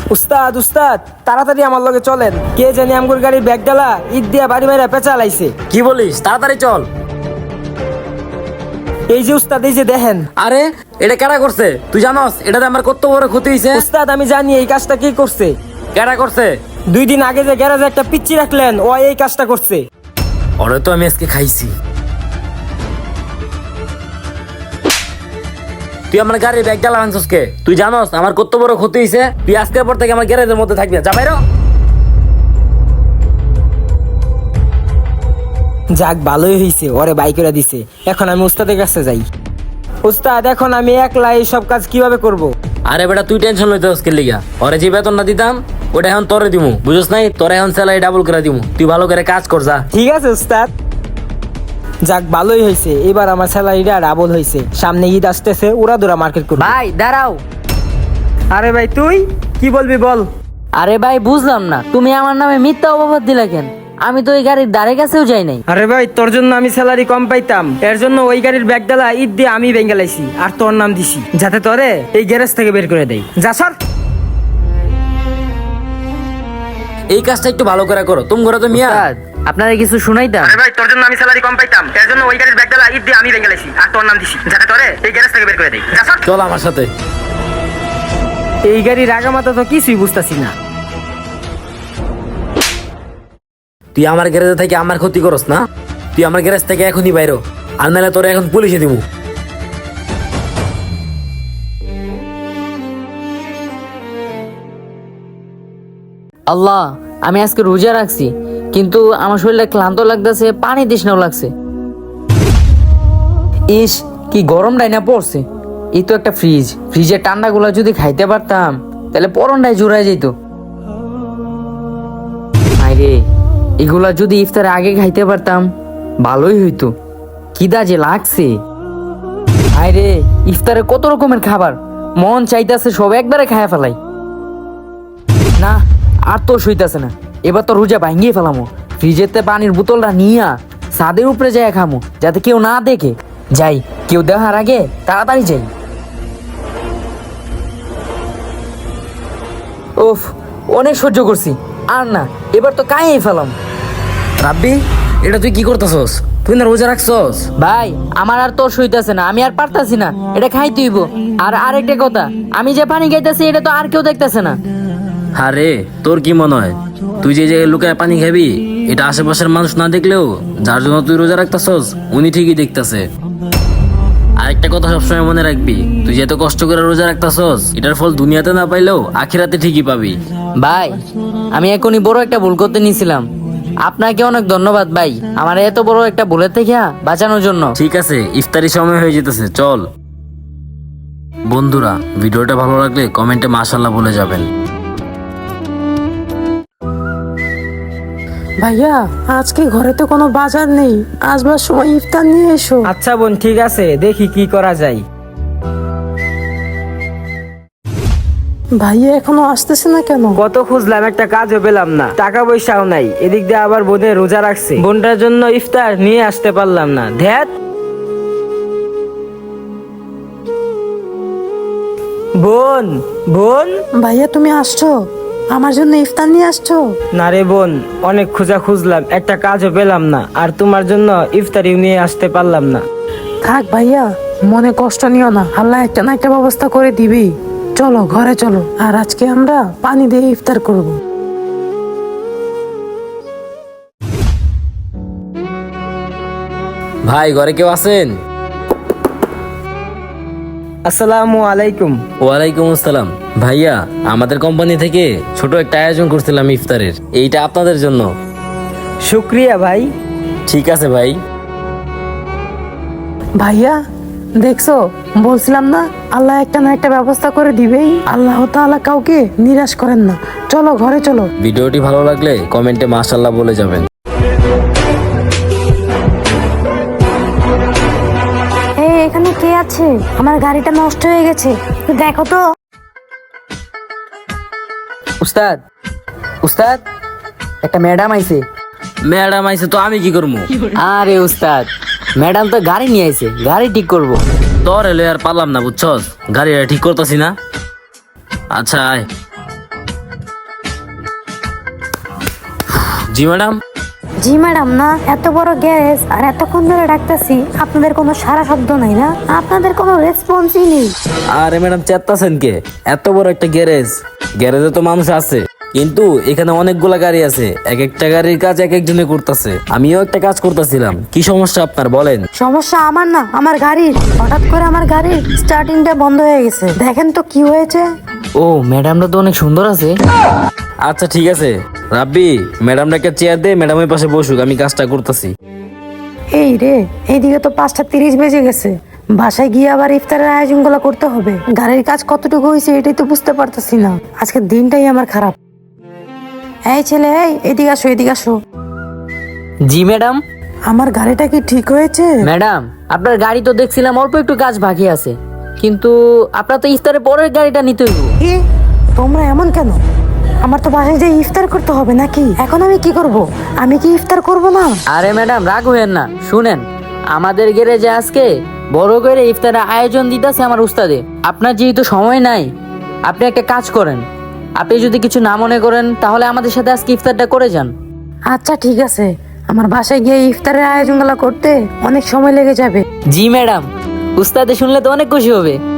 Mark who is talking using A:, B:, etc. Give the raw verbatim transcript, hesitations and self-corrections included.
A: উস্তাদ উস্তাদ তাড়াতাড়ি আমার লগে চলেন, কে জানি আমগুর গাড়ির ব্যাগ ডালা ঈদ দিয়া বাড়ি মাইরা পেঁচা লাইছে।
B: কি বলিস? তাড়াতাড়ি চল।
A: এই যে উস্তাদ, এই যে দেখেন।
B: আরে এটা কেডা করছে? তুই জানোস এটাতে আমার কত বড় ক্ষতি হয়েছে?
A: উস্তাদ আমি জানি এই কাজটা কে করছে।
B: কেডা করছে?
A: দুই দিন আগে যে গ্যারাজে একটা পিচ্চি রাখলেন, ও এই কাজটা করছে।
B: ওরে তো আমি আজকে খাইছি। তুই আমার গাড়ির ব্যাগ ডালা আনছস কে? তুই জানোস আমার কত বড় ক্ষতি হয়েছে? তুই আজকের পর থেকে আমার গ্যারেজের মধ্যে থাকবি না, যা বাইরো।
A: যাক ভালোই হয়েছে, ওরে বাই করে দিছে। এখন আমি উস্তাদের কাছে যাই। উস্তাদ এখন আমি একলা এই সব কাজ কিভাবে করব?
B: আরে বেটা তুই টেনশন লইতে হস কে লিগা? ওরে যে বেতন না দিতাম ওটা এখন তোরে দিমু, বুঝছ নাই? তোরে এখন স্যালারি ডাবল করে দিমু, তুই ভালো করে কাজ কর যা।
A: ঠিক আছে উস্তাদ। যাক ভালোই হয়েছে, এবার আমার স্যালারিটা ডাবল হয়েছে। সামনে ঈদ আসতেছে, উড়া দুরা মার্কেট করব।
C: ভাই দাঁড়াও।
A: আরে ভাই তুই কি বলবি বল।
C: আরে ভাই বুঝলাম না, তুমি আমার নামে মিথ্যা অপবাদ দিলা কেন? আমি তো ওই গাড়ির ধারে কাছেও যাই নাই।
A: আরে ভাই তোর জন্য আমি স্যালারি কম পাইতাম, এর জন্য ওই গাড়ির ব্যাগ ডালা ঈদ দিয়ে আমি বেঙ্গালাইছি আর তোর নাম দিছি, যাতে তোরে এই গ্যারেজ থেকে বের করে দেই। যা সর।
B: এই কাজটা একটু ভালো করে করো, তুমি ঘরে তো মিয়া।
C: উস্তাদ, আপনারা কিছু শুনাইতাম?
A: আরে ভাই তোর জন্য আমি স্যালারি কম পাইতাম, এর জন্য ওই গাড়ির ব্যাগ ডালা ঈদ দিয়ে আমি বেঙ্গালাইছি আর তোর নাম দিছি, যাতে তোরে এই গ্যারেজ থেকে বের করে দেই। যা সর।
B: চল আমার সাথে।
A: এই গাড়ির আগামাতা তো কিছুই বুঝতাছি না।
B: তুই আমার গ্যারেজে থেকে আমার ক্ষতি করস না? তুই আমার গ্যারেজ থেকে এখনই বাইরো, আর নাহলে তোরে এখন পুলিশে দিমু।
C: আল্লাহ, আমি আজকে রোজা রাখছি, কিন্তু আমার শরীরে ক্লান্ত লাগতেছে, পানি তৃষ্ণাও লাগছে। ইস কি গরম ডাইনা পড়ছে। এই তো একটা ফ্রিজ, ফ্রিজের ঠান্ডা গুলা যদি খাইতে পারতাম তাহলে পরনটাই জুড়াই যেত। আরে এগুলা যদি ইফতারের আগে খাইতে পারতাম ভালোই হইতো। কিদা যে লাগছে। আরে ইফতারে কত রকমের খাবার, মন চাইতেছে সব একবারে খায়া ফেলাই। না আর তো সইতাছে না, এবার তো রোজা ভাঙ্গিয়ে ফেলামো। ফ্রিজেতে পানির বোতলটা নিয়া ছাদের উপরে যাই খামো, যাতে কেউ না দেখে। যাই, কেউ দেখার আগে তাড়াতাড়ি যাই। ওফ, অনেক সহ্য করছি, আর না, এবার তো কাইয়ে ফেলাম।
B: রাব্বি, এটা তুই কি করতেছস? তুই না রোজা রাখছস?
C: ভাই আমার আর তোর সইতাছে না, আমি আর পারতাছি না, এটা খাইতে হইব। আর আরেকটা কথা, আমি যে পানি খাইতেছি এটা তো আর কেউ দেখতেছে না।
B: আরে তোর কি মনে হয় তুই যে জায়গায় লুকায় পানি খাবি এটা আশেপাশের মানুষ না দেখলেও যার জন্য তুই রোজা রাখতেছস উনি ঠিকই দেখতেছে। আরেকটা কথা সবসময় মনে রাখবি, তুই যে এত কষ্ট করে রোজা রাখতেছস এটার ফল দুনিয়াতে না পাইলেও আখিরাতে ঠিকই পাবি।
C: ভাই আমি এখনই বড় একটা ভুল করতে নিয়েছিলাম, আপনাকে অনেক ধন্যবাদ ভাই আমার এত বড় একটা ভুলের থেকে বাঁচানোর জন্য।
B: ঠিক আছে, ইফতারি সময় হয়ে যেতেছে, চল। বন্ধুরা ভিডিওটা ভালো লাগলে কমেন্টে মাশাআল্লাহ বলে যাবেন।
D: ভাইয়া আজকে ঘরে তো কোনো বাজার নেই, আসবার সময় ইফতার নিয়ে এসো।
A: আচ্ছা বোন ঠিক আছে, দেখি কি করা যায়।
D: ভাইয়া এখনো আসতেছে না কেন?
A: কত খুঁজলাম, একটা কাজও পেলাম না, টাকা পয়সাও নাই। এদিক দিয়ে আবার বোনে রোজা রাখছে, বোনটার জন্য ইফতার নিয়ে আসতে পারলাম না। ধ্যাত। বোন বোন।
D: ভাইয়া তুমি আসছো? আমার জন্য ইফতার নিয়ে আসছো?
A: না রে বোন, অনেক খোঁজা খুঁজলাম, একটা কাজও পেলাম না, আর তোমার জন্য ইফতারিও নিয়ে আসতে পারলাম না।
D: থাক ভাইয়া, মনে কষ্ট নিও না, আল্লাহ একটা না একটা ব্যবস্থা করে দিবি। চলো ঘরে চলো, আর আজকে আমরা পানি দিয়ে ইফতার করব।
B: ভাই ঘরে কেউ আছেন?
A: আসসালামু আলাইকুম।
B: ওয়ালাইকুম আসসালাম। ভাইয়া আমাদের কোম্পানি থেকে ছোট একটা আয়োজন করছিলাম ইফতারের, এইটা আপনাদের জন্য।
A: শুক্রিয়া ভাই।
B: ঠিক আছে ভাই।
D: ভাইয়া দেখছো, বলছিলাম না আল্লাহ একটা না একটা ব্যবস্থা করে দিবেই। আল্লাহ তাআলা কাউকে নিরাশ করেন না। চলো ঘরে চলো।
B: ভিডিওটি ভালো লাগলে কমেন্টে মাশাআল্লাহ বলে যাবেন।
E: এই এখানে কে আছে? আমার গাড়িটা নষ্ট হয়ে গেছে, দেখো তো।
C: উস্তাদ উস্তাদ একটা ম্যাডাম আইছে।
B: ম্যাডাম আইছে তো আমি কি করবো?
C: আরে উস্তাদ, ম্যাডাম তো গাড়ি নিয়ে আইছে, গাড়ি ঠিক করব।
B: তোর এলে আর পারলাম না, বুঝছস? গাড়িটা ঠিক করতেছি না। আচ্ছা আয়। জি ম্যাডাম।
E: জি ম্যাডাম না, এত বড় গ্যারেজ আর এতক্ষণ ধরে ডাকতেছি, আপনাদের কোনো সারা শব্দ নাই না, আপনাদের কোনো রেসপন্সই নেই।
B: আরে ম্যাডাম চেত্তাছেন কে? এত বড় একটা গ্যারেজ, গ্যারেজে তো মানুষ আছে, কিন্তু এখানে অনেকগুলা গাড়ি আছে, এক একটা গাড়ির কাজ এক একজনে করতেছে। আমিও একটা কাজ করতেছিলাম। কি সমস্যা আপনার বলেন?
E: সমস্যা আমার না, আমার গাড়ির। হঠাৎ করে আমার গাড়ির স্টার্টিংটা বন্ধ হয়ে গেছে, দেখেন তো কি হয়েছে।
C: ও ম্যাডামটা তো অনেক সুন্দর আছে।
B: আচ্ছা ঠিক আছে রাব্বি, ম্যাডামটা একটা চেয়ার দে, ম্যাডামের পাশে বসুক, আমি কাজটা করতেছি।
D: এই রে, এইদিকে তো পাঁচটা তিরিশ বেজে গেছে, বাসায় গিয়ে আবার ইফতারের আয়োজনগুলো করতে হবে। গাড়ির কাজ কতটুকু হয়েছে এটাই তো বুঝতে পারতেছি না। আজকের দিনটাই আমার খারাপ। এই ছেলে, এই এদিকে আসো, এদিকে আসো।
C: জি ম্যাডাম।
D: আমার গাড়িটা কি ঠিক হয়েছে?
C: ম্যাডাম আপনার গাড়ি তো দেখছিলাম অল্প একটু কাজ বাকি আছে, কিন্তু আপনার তো ইফতারের পরের গাড়িটা নিতে হইব।
D: কি তোমরা এমন কেন? আমার তো বাসায় যে ইফতার করতে হবে নাকি? এখন আমি কি করব? আমি কি ইফতার করব না?
C: আরে ম্যাডাম রাগ হইয়েন না, শুনেন, আমাদের গ্যারেজে আজকে বড় করে ইফতারের আয়োজন দিতেছে আমার উস্তাদে। আপনার যেহেতু সময় নাই, আপনি একটা কাজ করেন, আপনি যদি কিছু না মনে করেন তাহলে আমাদের সাথে আজকে ইফতারটা করে যান।
D: আচ্ছা ঠিক আছে, আমার বাসায় গিয়ে ইফতারের আয়োজনগুলো করতে অনেক সময় লেগে যাবে।
C: জি ম্যাডাম, উস্তাদে শুনলে তো অনেক খুশি হবে।